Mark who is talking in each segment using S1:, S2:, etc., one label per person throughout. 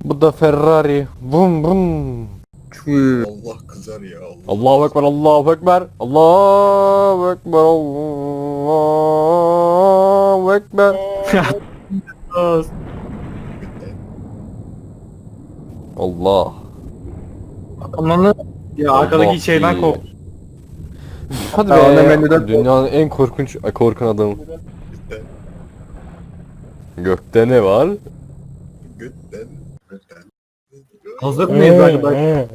S1: Bu da Ferrari. Bum bum.
S2: Allah kızar ya Allah.
S1: Allahu Ekber, Allahu Ekber. Allahu Ekber, Allahu Ekber. Allah.
S3: Ananı ya arkadaki şeyden kork.
S1: Hadi
S4: Tamam,
S1: be.
S4: menüden
S1: Dünyanın en korkun adamı. Gökte ne var?
S2: Götten. Götten.
S3: Hazır mıyız arkadaşlar?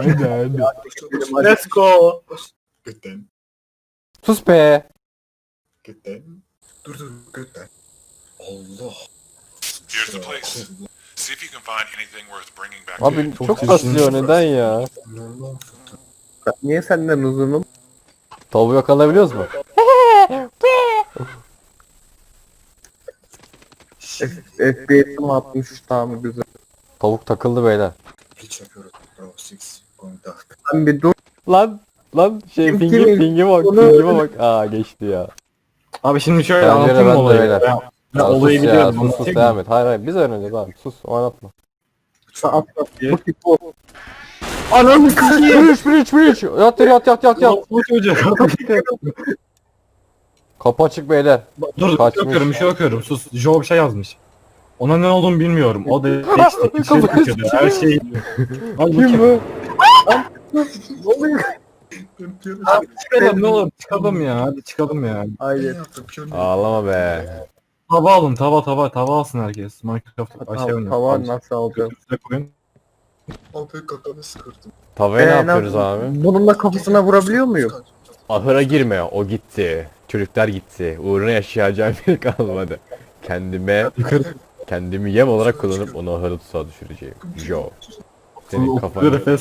S3: Let's go.
S2: Götten.
S1: Sus be.
S2: Götten. Dur götten. Allah.
S5: Here's the place. See if you can find anything worth bringing back to
S1: Abi
S5: you.
S1: çok kasıyor, neden ya?
S2: Allah.
S4: Niye senden uzunum?
S1: Tavuğu yakalayabiliyoruz mu?
S4: FPS'im 63 tamam güzel.
S1: Tavuk takıldı beyler.
S2: Hiç yapıyoruz. Bravo 6. Going dark.
S4: Sen bir dur.
S1: Lan
S4: Kim-
S1: pingi bak,
S4: Onu-
S1: pingime bak. Aa geçti ya.
S3: Abi şimdi şöyle
S1: Bence de
S3: anlatayım
S1: ben de
S3: olayı.
S1: beyler.
S3: Ben
S1: Ya
S3: olayı
S1: sus ya,
S3: biliyorum.
S1: sus
S3: anlatayım mı?
S1: devam et. Hayır biz öğreneceğiz abi, sus oynatma.
S4: At
S3: Bir-
S4: bu tip o.
S3: Ananı sikiyim.
S1: Bridge. Yat yat.
S3: Bu çocuk.
S1: Kapı açık beyler.
S3: Dur
S1: Kaçmış.
S3: bir şey okuyorum. Sus. Joe bir şey yazmış. Ona ne olduğunu bilmiyorum. O da işte içeri
S1: Kafayı
S3: sıkıyordu. Her şey. Al
S1: Kim
S3: bakayım.
S1: bu?
S4: Ne oluyor?
S3: Çıkalım ne olur çıkalım ya. Hadi çıkalım ya.
S2: Ne
S4: Hayır.
S2: yaptım? Piyon
S1: Ağlama be.
S3: Tava alın tava alsın herkes. Minecraft aşağı oynayalım.
S4: Tavan nasıl alacağız?
S3: Üstüne koyun.
S2: Abi kafanı sıkırdım.
S1: Tavaya ne yapıyoruz abi?
S4: Bununla kafasına vurabiliyor muyum?
S1: Ahıra girme, o gitti. Çocuklar gitti. Uğruna yaşayacağım bir kalmadı. Kendimi yem olarak kullanıp onu ahıra tuzağa düşüreceğim. Joe. Senin kafanı...
S3: Refes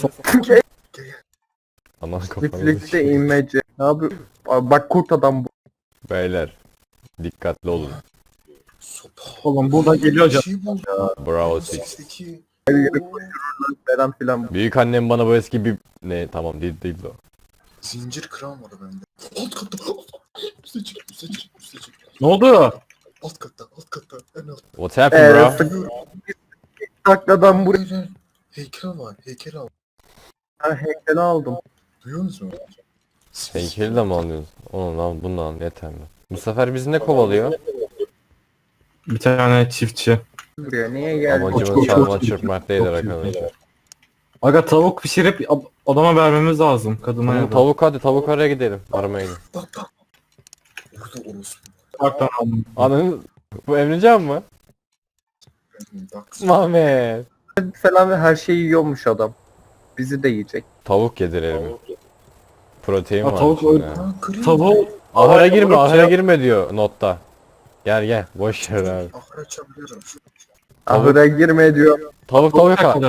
S1: Aman kafanı
S4: Refleks'te inmece. Abi bak kurt adam bu.
S1: Beyler. Dikkatli olun.
S2: Sopa.
S3: Oğlum burada geliyor
S2: Bir şey buldum.
S1: Bravo Six.
S2: 8'deki.
S4: Her yeri koştururlar falan filan.
S1: Büyük annem bana bu eski bir... Ne tamam değil o.
S2: Zincir kıran var bende. Alt katta. Üste çık.
S3: Ne oldu?
S2: Alt katta. En alt.
S1: What happened bro?
S4: Sık takladan buraya.
S2: Hayır. Heykel var. Heykel al.
S4: Heykeli aldım.
S2: Duyuyor musun?
S1: Heykeli de mi alıyorsun? Onu lan bundan yeter mi? Bu sefer bizi ne kovalıyor?
S3: Bir tane çiftçi.
S4: Buraya niye geldin?
S1: Amacımız çalma çırpmak değildir arkadaşlar.
S3: Aga tavuk pişirip adama vermemiz lazım. Kadına ya da.
S1: Tavuk araya gidelim. Aramaya gidelim.
S2: Bak. Orada orospu.
S3: Ufaktan aldım.
S1: Ananı... Bu Emrecan mı?
S2: Bak.
S1: Mehmet.
S4: Falan ve her şeyi yiyormuş adam. Bizi de yiyecek.
S1: Tavuk yedirelim. Protein
S3: Ha,
S1: var
S3: tavuk
S1: içinde.
S3: öyle-
S2: Ha kırayım.
S3: Tavuğu
S1: Ahıra girme,
S3: Ahıra
S1: ahıra girme diyor notta. Gel boş ver abi.
S2: Ahır açabiliyorum.
S4: Ahıra girme diyor.
S1: Tavuk yakala.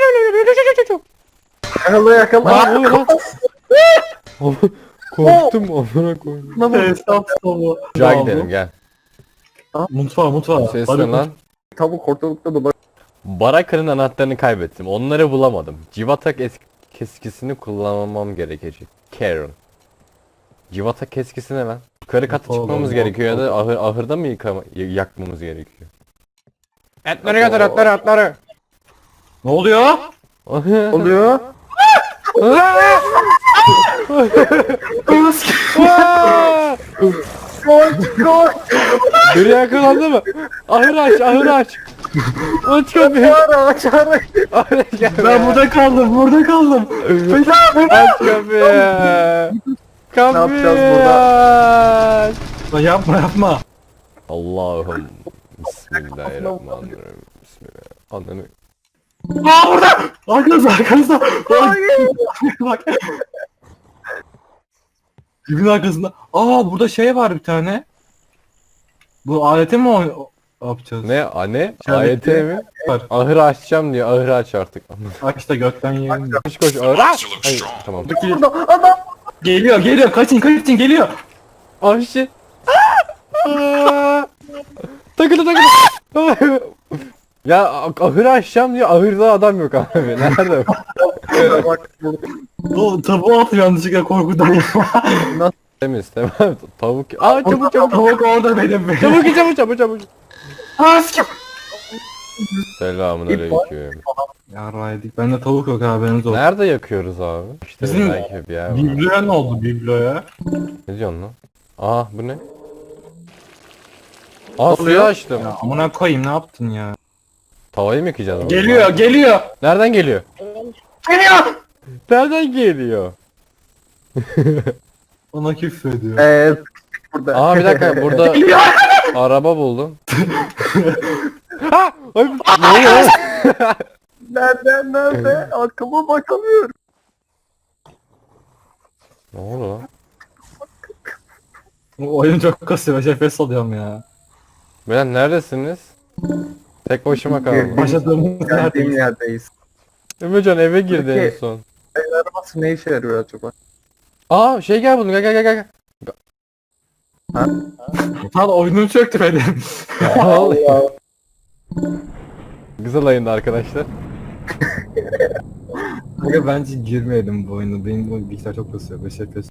S4: Yakala.
S1: Aa, oluyor lan. Korktum amına koyayım.
S3: Hesap tavuğu.
S1: Ocağa gidelim gel.
S3: Mutfağa.
S1: Ses
S3: Hadi
S1: ne lan?
S4: Tavuk ortalıkta dolaşıyor.
S1: Baraka'nın anahtarını kaybettim. Onları bulamadım. Civata keskisini kullanmam gerekecek. Karen. Civata keskisi ne lan? Yukarı kata
S3: Oğlum,
S1: çıkmamız
S3: oğlum,
S1: gerekiyor ya da
S3: oğlum.
S1: ahırda mı yakmamız gerekiyor? Etleri götür etleri.
S3: Ne oluyor?
S4: Oluyor.
S1: Biri yakalandı mı? Ahır aç. Aç kapıyı.
S4: Aç.
S1: Ahır gel.
S3: Ben burada kaldım.
S1: Aç kapıyı. Kapıyı
S4: yapacağız burada?
S1: aç.
S3: Lan yapma.
S1: Allah'ım. Bismillahirrahmanirrahim. Bismillah. Ananı.
S3: Aa burada. Arkanızda. Bak. Dibin arkasında. Aa burada şey var bir tane. Bu aleti mi yapacağız?
S1: Ne? Anne?
S3: Şöyle
S1: AYT
S3: bir-
S1: mi?
S3: Var.
S1: Ahır açacağım diyor. Ahırı aç artık.
S3: Bak işte gökten yiyelim.
S1: Koş ahır aç.
S5: You look
S1: Hayır,
S5: strong.
S1: tamam.
S4: Burada adam.
S3: Geliyor. Kaçın geliyor.
S1: Ah shit. Takıldı. Ya ahırı açacağım diyor. Ahırda adam yok abi. Nerede?
S4: Bak burada.
S3: O tavuğu atıyor yanlışlıkla korkudan.
S1: Temiz tamam. Tavuk. Aa çabuk.
S3: Tavuk orada benim.
S1: Çabuk.
S3: Aa sikim.
S1: Selamünaleyküm.
S3: Yarraydık. Bende tavuk yok haberiniz olsun.
S1: Nerede yakıyoruz abi? İşte
S3: Bizim
S1: belki bir yer var.
S3: Bibloya ne oldu bibloya?
S1: Ne diyorsun lan? Aa bu ne? Aa suyu açtım.
S3: Ya amına koyayım ne yaptın ya?
S1: Tavayı mı yıkayacağız? oğlum?
S3: Geliyor.
S1: Nereden geliyor?
S3: Geliyor.
S1: Nereden geliyor?
S3: Bana küfür ediyor.
S4: Burada.
S1: Aa bir dakika burada araba buldum. Ha! Ay, ne oluyor?
S4: Nerede? Arkama bakamıyorum.
S1: Ne oldu lan?
S3: Bu oyun çok kasıyor. Şefes alıyorum ya.
S1: Beyler neredesiniz? Tek başıma kaldım.
S3: Başladığımız
S4: Geldiğim
S3: yerdeyiz.
S4: yerdeyiz.
S1: Ömercan eve girdi en
S4: Peki.
S1: son.
S4: El arabası ne işe yarıyor acaba?
S1: Aa şey gel buldum gel.
S3: Lan oyunum çöktü benim.
S1: Güzel ayında arkadaşlar.
S3: Aga bence girmeyelim bu oyuna. Benim bu bilgisayar çok kasıyor. 5 FPS.